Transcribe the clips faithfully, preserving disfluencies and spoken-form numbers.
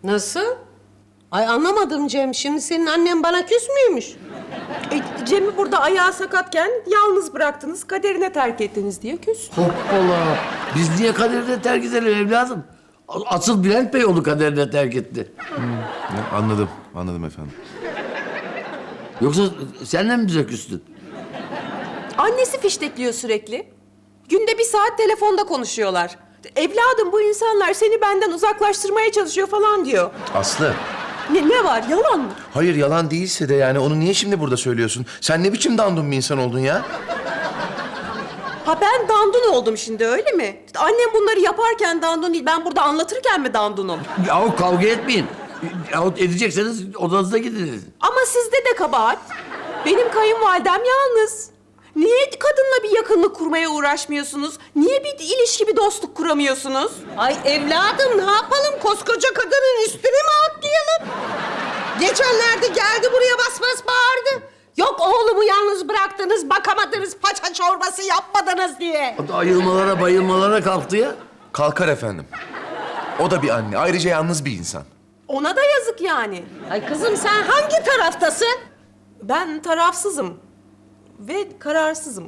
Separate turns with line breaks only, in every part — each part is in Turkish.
Nasıl? Ay anlamadım Cem. Şimdi senin annen bana küs müymüş?
E, Cem'i burada ayağı sakatken yalnız bıraktınız, kaderine terk ettiniz diye küs.
Hoppala. Biz niye kaderine terk edelim evladım? Asıl Bülent Bey onu kaderine terk etti.
Ya, anladım, anladım efendim.
Yoksa senden mi bize küstün?
Annesi fiştekliyor sürekli. Günde bir saat telefonda konuşuyorlar. Evladım bu insanlar seni benden uzaklaştırmaya çalışıyor falan diyor.
Aslı,
Ne, ne var, yalan mı?
hayır yalan değilse de yani onu niye şimdi burada söylüyorsun? Sen ne biçim dandun bir insan oldun ya?
Ha ben dandun oldum şimdi öyle mi? Annem bunları yaparken dandun değil, ben burada anlatırken mi dandunum?
Yahu kavga etmeyin. Yahut edecekseniz odanıza gidiniz.
Ama sizde de kabahat. Benim kayınvalidem yalnız. Niye kadınla bir yakınlık kurmaya uğraşmıyorsunuz? Niye bir ilişki, bir dostluk kuramıyorsunuz?
Ay evladım ne yapalım? Koskoca kadının üstüne mi atlayalım? Geçenlerde geldi buraya bas bas bağırdı. Yok oğlumu yalnız bıraktınız, bakamadınız, paça çorbası yapmadınız diye.
O da ayılmalara bayılmalara kalktı ya.
Kalkar efendim. O da bir anne, ayrıca yalnız bir insan.
Ona da yazık yani.
Ay kızım sen hangi taraftasın?
Ben tarafsızım. Ve kararsızım.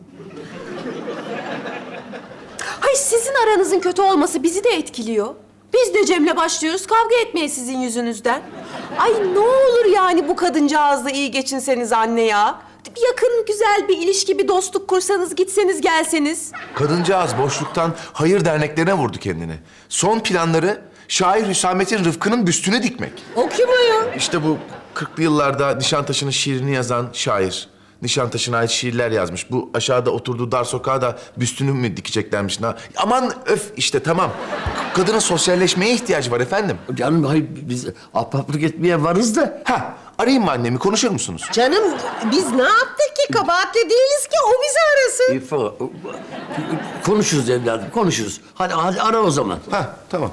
Hay sizin aranızın kötü olması bizi de etkiliyor. Biz de Cem'le başlıyoruz kavga etmeye sizin yüzünüzden. Ay ne olur yani bu kadıncağızla iyi geçinseniz anne ya. Bir yakın, güzel bir ilişki, bir dostluk kursanız, gitseniz, gelseniz.
Kadıncağız boşluktan hayır derneklerine vurdu kendini. Son planları şair Hüsamettin Rıfkı'nın büstüne dikmek.
O kim o ya?
İşte bu kırklı yıllarda Nişantaşı'nın şiirini yazan şair. Nişantaşı'na ait şiirler yazmış. Bu aşağıda oturduğu dar sokağa da büstünü mü dikeceklermiş? Na? Aman öf işte tamam. Kadının sosyalleşmeye ihtiyacı var efendim.
Canım hayır biz ahbaplık etmeye varız da.
Ha, arayayım mı annemi konuşur musunuz?
Canım biz ne yaptık ki? Kabahatli değiliz ki o bizi arasın.
İfa, konuşuruz evladım konuşuruz. Hadi hadi ara o zaman.
Ha, tamam.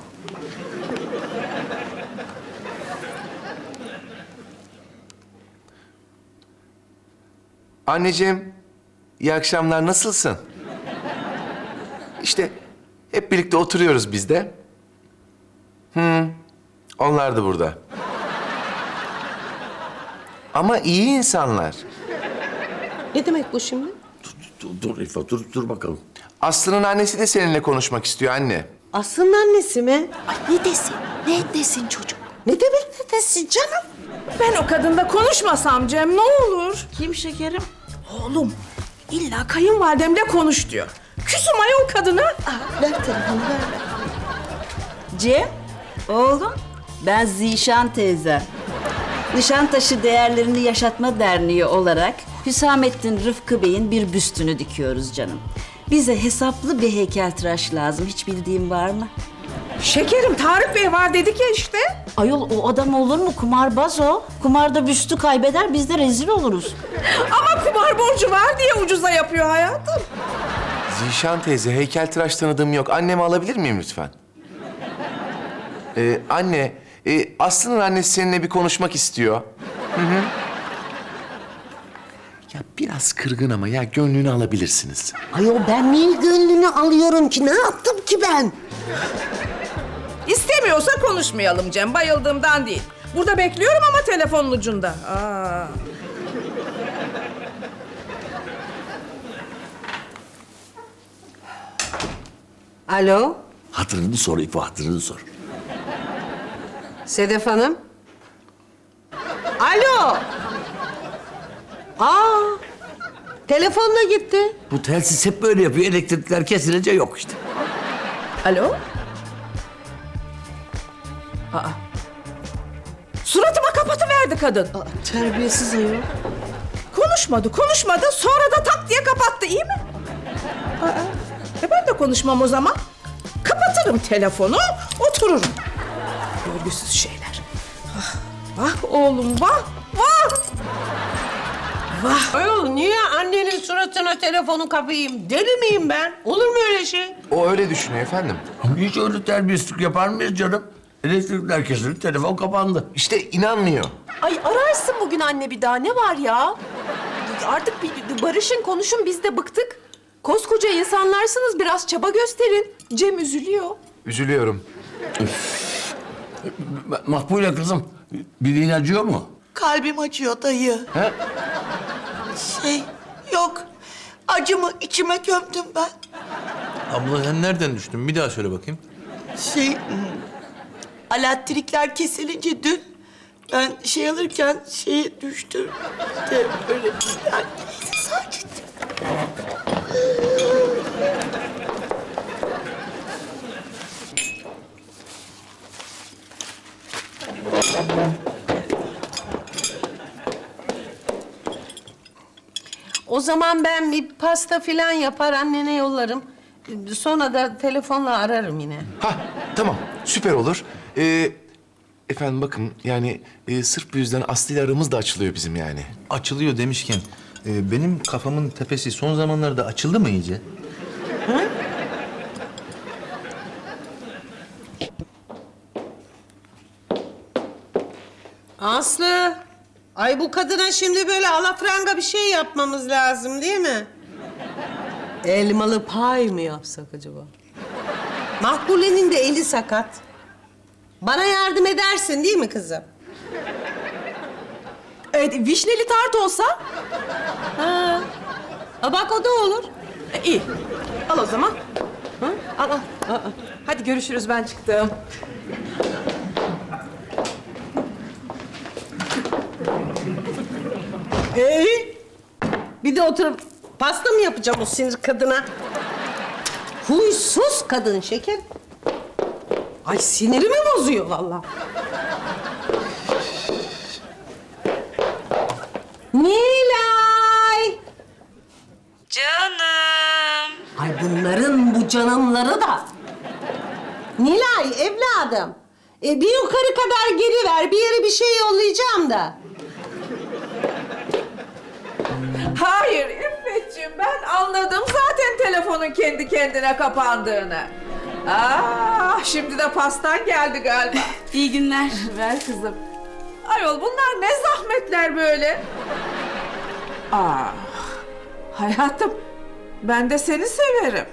Anneciğim, iyi akşamlar. Nasılsın? İşte hep birlikte oturuyoruz biz de. Hı, onlar da burada. Ama iyi insanlar.
Ne demek bu şimdi?
Dur, dur İfa dur, dur bakalım.
Aslı'nın annesi de seninle konuşmak istiyor anne.
Aslı'nın annesi mi?
Ay ne desin, ne desin çocuk?
Ne demek ne desin canım?
Ben o kadınla konuşmasam Cem ne olur?
Kim şekerim?
Oğlum illa kayınvalidemle konuş diyor. Küsüm ayol kadına.
Ver telefonu ver.
Cem, oğlum ben Zişan teyze. Nişantaşı Değerlerini Yaşatma Derneği olarak Hüsamettin Rıfkı Bey'in bir büstünü dikiyoruz canım. Bize hesaplı bir heykeltıraş lazım. Hiç bildiğin var mı?
Şekerim Tarık Bey var dedik ya işte.
Ayol o adam olur mu? Kumarbaz o. Kumarda büstü kaybeder biz de rezil oluruz.
Ama kumar borcu var diye ucuza yapıyor hayatım.
Zişan teyze, heykeltıraş tanıdığım yok. Annemi alabilir miyim lütfen? Ee, anne, e, Aslı'nın annesi seninle bir konuşmak istiyor. Hı hı. Ya biraz kırgın ama ya gönlünü alabilirsiniz.
Ayol ben niye gönlünü alıyorum ki? Ne yaptım ki ben?
İstemiyorsa konuşmayalım Cem. Bayıldığımdan değil. Burada bekliyorum ama telefonun ucunda. Aa.
Alo,
Hatırını sor İfa hatırını sor.
Sedef Hanım. Alo. Aa, telefonla gitti.
Bu telsiz hep böyle yapıyor. Elektrikler kesilince yok işte.
Alo? Aa. Suratıma kapatıverdi kadın.
Aa, terbiyesiz ayol.
Konuşmadı, konuşmadı. Sonra da tak diye kapattı, iyi mi? Aa, e ben de konuşmam o zaman. Kapatırım telefonu, otururum. Görgüsüz şeyler. Vah, vah oğlum, vah, vah. Vah.
Ayol niye annenin suratına telefonu kapayım? Deli miyim ben? Olur mu öyle şey?
O öyle düşünüyor efendim.
Hiç öyle terbiyesizlik yapar mıyız canım? Elektrikler kesildi, telefon kapandı.
İşte inanmıyor.
Ay ararsın bugün anne bir daha, ne var ya? Artık bir, bir barışın, konuşun, biz de bıktık. Koskoca insanlarsınız, biraz çaba gösterin. Cem üzülüyor.
Üzülüyorum.
Makbule kızım, bildiğin acıyor mu?
Kalbim acıyor dayı.
He?
Şey, yok. Acımı içime gömdüm ben.
Abla sen nereden düştün? Bir daha söyle bakayım.
Şey, hmm, elektrikler kesilince dün ben şey alırken şeye düştüm. İşte böyle yani, neyse sakin.
O zaman ben bir pasta filan yapar annene yollarım. Sonra da telefonla ararım yine.
Ha tamam süper olur. Ee, efendim bakın yani e, sırf bu yüzden Aslı ile aramız da açılıyor bizim yani.
Açılıyor demişken e, benim kafamın tepesi son zamanlarda açıldı mı iyice?
Aslı, ay bu kadına şimdi böyle alafranga bir şey yapmamız lazım değil mi? Elmalı pay mı yapsak acaba? Makbule'nin de eli sakat. Bana yardım edersin değil mi kızım?
Evet, vişneli tart olsa?
Ha. Ha bak o da olur.
E, iyi. Al o zaman. Hı? Al, al. Aa, hadi görüşürüz, ben çıktım.
Ee, bir de oturup pasta mı yapacağım o sinir kadına? Huysuz kadın şeker. Ay sinirimi bozuyor vallahi. Nilay!
Canım.
Ay bunların bu canımları da. Nilay evladım. E, bir yukarı kadar geri ver. Bir yere bir şey yollayacağım da.
Hayır İffetciğim, ben anladım zaten telefonun kendi kendine kapandığını. Aa, şimdi de pastan geldi galiba.
İyi günler.
Ver kızım. Ayol bunlar ne zahmetler böyle? Aa, hayatım ben de seni severim.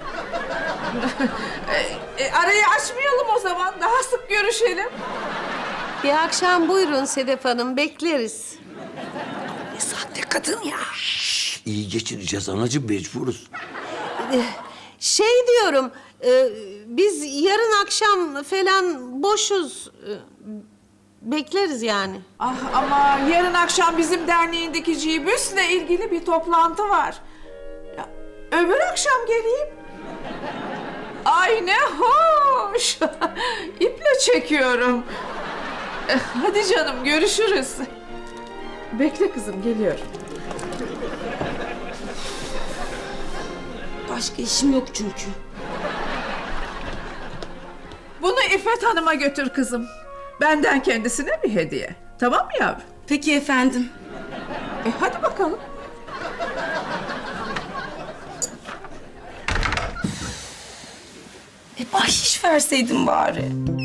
e, e, arayı açmayalım o zaman, daha sık görüşelim.
Bir akşam buyurun Sedef Hanım. Bekleriz.
Sahte kadın ya. Şş, iyi geçireceğiz anacığım, mecburuz.
Şey diyorum, e, biz yarın akşam falan boşuz. E, bekleriz yani.
Ah ama yarın akşam bizim derneğin dikiciyi büsle ilgili bir toplantı var. Ya, öbür akşam geleyim. Ay ne hoş. İple çekiyorum. Eh, Hadi canım görüşürüz. Bekle kızım, geliyorum.
Başka işim yok çünkü.
Bunu İffet Hanım'a götür kızım. Benden kendisine bir hediye. Tamam mı yavrum?
Peki efendim.
E hadi bakalım.
E bahşiş verseydin bari.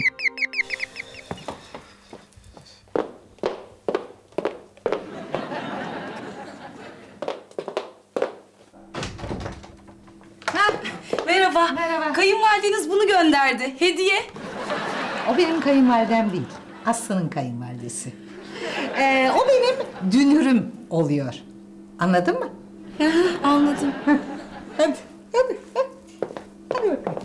Ha, merhaba.
Merhaba.
Kayınvalideniz bunu gönderdi. Hediye.
O benim kayınvalidem değil. Aslı'nın kayınvalidesi. Ee, o benim dünürüm oluyor. Anladın mı?
Anladım.
Hadi, hadi, hadi. Hadi bakalım.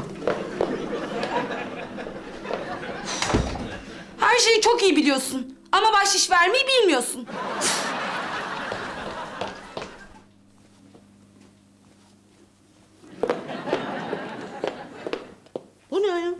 Her şeyi çok iyi biliyorsun. Ama bahşiş vermeyi bilmiyorsun.
Bu ne ya?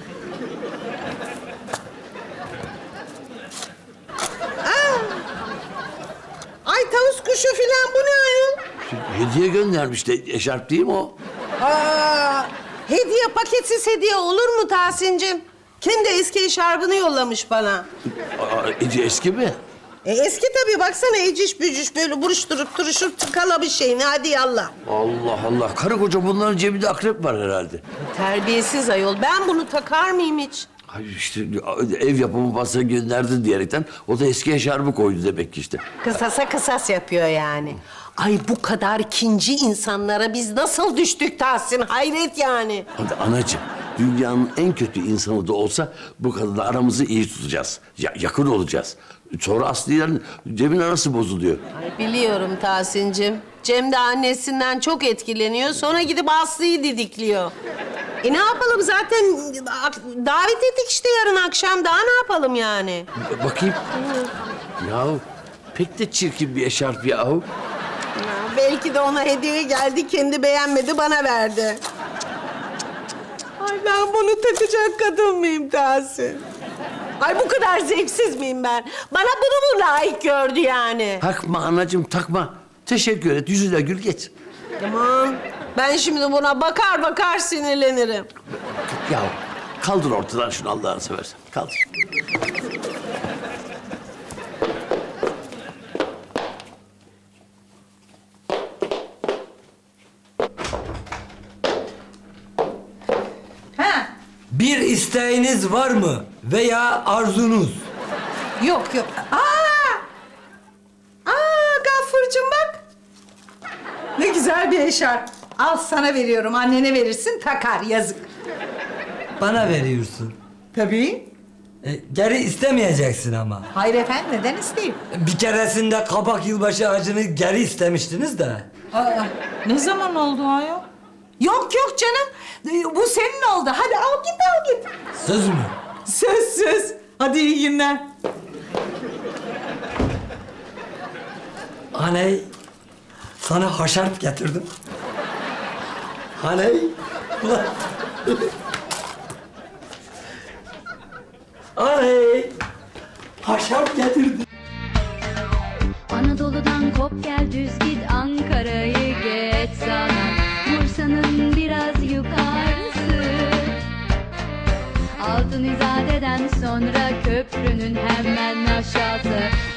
Aa! Ay tavus kuşu filan bu ne ayol?
Hediye göndermiş de eşarp değil mi o?
Aa, hediye paketsiz hediye olur mu Tahsin'cim? Kendi eski eşarbını yollamış bana.
Aa, Ece eski mi?
E, eski tabii baksana eciş bücüş böyle buruşturup duruşup tıkala bir şeyini hadi yallah.
Allah Allah. Karı koca bunların cebinde akrep var herhalde.
Terbiyesiz ayol ben bunu takar mıyım hiç?
Ay işte ev yapımı pasta gönderdin diyerekten o da eski eşarbı koydu demek ki işte.
Kısasa kısas yapıyor yani. Ay bu kadar kinci insanlara biz nasıl düştük Tahsin? Hayret yani.
Hadi anacığım Dünyanın en kötü insanı da olsa bu kadınla aramızı iyi tutacağız. Ya, yakın olacağız. Sonra Aslı'yla Cem'in arası bozuluyor.
Ay biliyorum Tahsin'cim. Cem de annesinden çok etkileniyor. Sonra gidip Aslı'yı didikliyor. E ne yapalım zaten davet ettik işte yarın akşam. Daha ne yapalım yani?
Bakayım. Yahu pek de çirkin bir eşarp yahu.
Ya, belki de ona hediye geldi, kendi beğenmedi, bana verdi. Ay ben bunu takacak kadın mıyım Tahsin? Ay bu kadar zevksiz miyim ben? Bana bunu mu layık gördü yani?
Takma anacığım takma. Teşekkür et yüzüne gül geç.
Aman ben şimdi buna bakar bakar sinirlenirim.
Ya kaldır ortadan şunu Allah'ını seversen. Kaldır.
Ha,
Bir isteğiniz var mı veya arzunuz?
yok yok. Aa! Aa Gaffurcuğum bak. Ne güzel bir eşarp. Al sana veriyorum. Annene verirsin takar yazık.
Bana veriyorsun.
Tabii.
E, geri istemeyeceksin ama.
Hayır efendim neden isteyeyim?
Bir keresinde kabak yılbaşı ağacını geri istemiştiniz de.
Aa, ne zaman oldu ayol? Yok yok canım. Ee, Bu senin oldu. Hadi al git al git.
Söz mü?
Söz söz. Hadi iyi günler.
Aney, sana haşarp getirdim. Aney, ulan. Aney, haşarp getirdim.
Anadolu'dan kop gel düz git Ankara'yı geç sana Bursa'nın biraz yukarısı Altın İzade'den sonra köprünün hemen aşağısı